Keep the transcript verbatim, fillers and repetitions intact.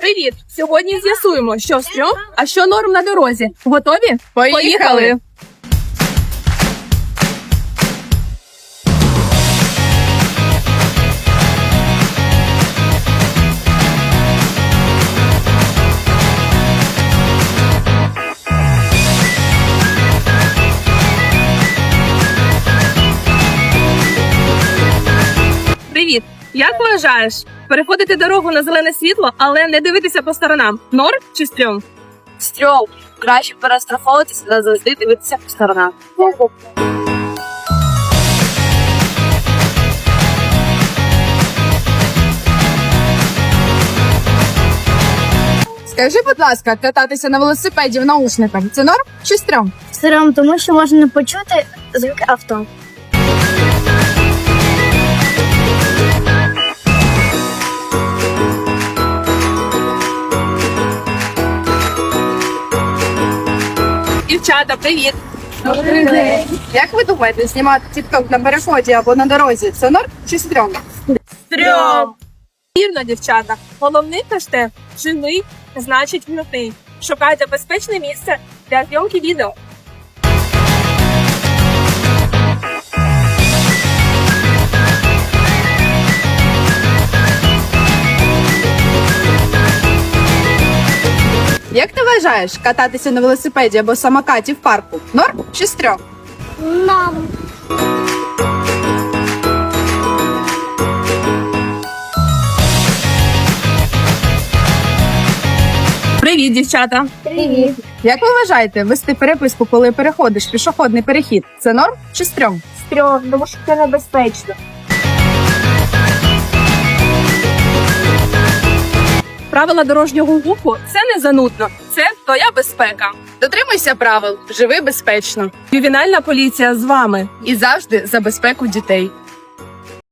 Привіт! Сьогодні з'ясуємо, що стрьом, а що норм на дорозі. Готові? Поїхали! Привіт! Як вважаєш, переходити дорогу на зелене світло, але не дивитися по сторонам? Норм чи стрьом? Стрьом. Краще перестраховуватися та завжди дивитися по сторонам. Скажи, будь ласка, кататися на велосипеді в наушниках – це норм чи стрьом? Стрьом, тому що можна не почути звук авто. Дівчата, привіт! Добрий день. Як ви думаєте, знімати тік-ток на переході або на дорозі – це норм чи стрьом? Стрьом! Вірно, дівчата. Головний хештег «Живий» значить «вмитий». Шукайте безпечне місце для зйомки відео. Як ти вважаєш, кататися на велосипеді або самокаті в парку – норм чи стрьом? Нам. Привіт, дівчата! Привіт. Як ви вважаєте, вести переписку, коли переходиш пішохідний перехід – це норм чи стрьом? Стрьом, тому що це небезпечно. Правила дорожнього руху – це не занудно. Це твоя безпека. Дотримуйся правил, живи безпечно Ювенальна поліція з вами. і завжди за безпеку дітей.